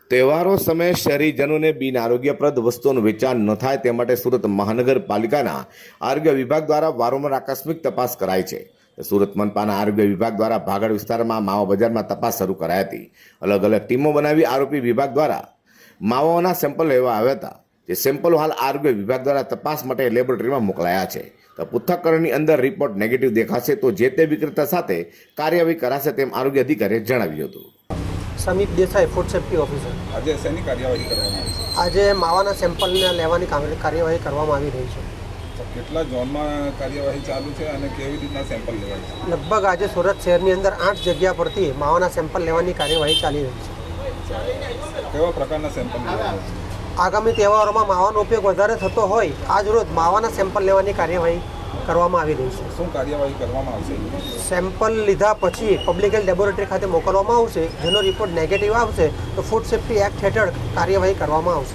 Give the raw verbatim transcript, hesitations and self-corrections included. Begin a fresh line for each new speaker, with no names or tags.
તહેવારો સમયે શહેરીજનોને બિન આરોગ્યપ્રદ વસ્તુઓનું વેચાણ ન થાય તે માટે સુરત મહાનગરપાલિકાના આરોગ્ય વિભાગ દ્વારા વારંવાર આકસ્મિક તપાસ કરાઈ છે. સુરત મનપાના આરોગ્ય વિભાગ દ્વારા ભાગળ વિસ્તારમાં માવા બજારમાં તપાસ શરૂ કરાઈ હતી. અલગ અલગ ટીમો બનાવી આરોપી વિભાગ દ્વારા માવાઓના સેમ્પલ લેવા આવ્યા હતા. જે સેમ્પલો હાલ આરોગ્ય વિભાગ દ્વારા તપાસ માટે લેબોરેટરીમાં મોકલાયા છે. તો પૃથ્થકરણની અંદર રિપોર્ટ નેગેટિવ દેખાશે તો જે તે વિક્રેતા સાથે કાર્યવાહી કરાશે તેમ આરોગ્ય અધિકારીએ જણાવ્યું હતું.
Samip Desai, food safety officer.
આજે શેની કાર્યવાહી કરવામાં આવી છે?
આજે માવાના સેમ્પલને લેવાની કામ- કાર્યવાહી કરવામાં આવી રહી છે.
તો કેટલા ઝોનમાં કાર્યવાહી ચાલુ છે અને કેવી રીતના સેમ્પલ લેવાય છે?
લગભગ આજે સુરત શહેરની અંદર આઠ જગ્યા પરથી માવાના સેમ્પલ લેવાની કાર્યવાહી ચાલી રહી છે.
કેવા પ્રકારના સેમ્પલ લેવાના છે?
આગામી તહેવારોમાં માવાનો ઉપયોગ વધારે થતો હોય આજ રોજ માવાના સેમ્પલ લેવાની કાર્યવાહી કરવામાં આવી રહી છે.
શું કાર્યવાહી કરવામાં આવશે?
સેમ્પલ લીધા પછી પબ્લિક હેલ્થ લેબોરેટરી ખાતે મોકલવામાં આવશે. જેનો રિપોર્ટ નેગેટિવ આવશે તો ફૂડ સેફ્ટી એક્ટ હેઠળ કાર્યવાહી કરવામાં આવશે.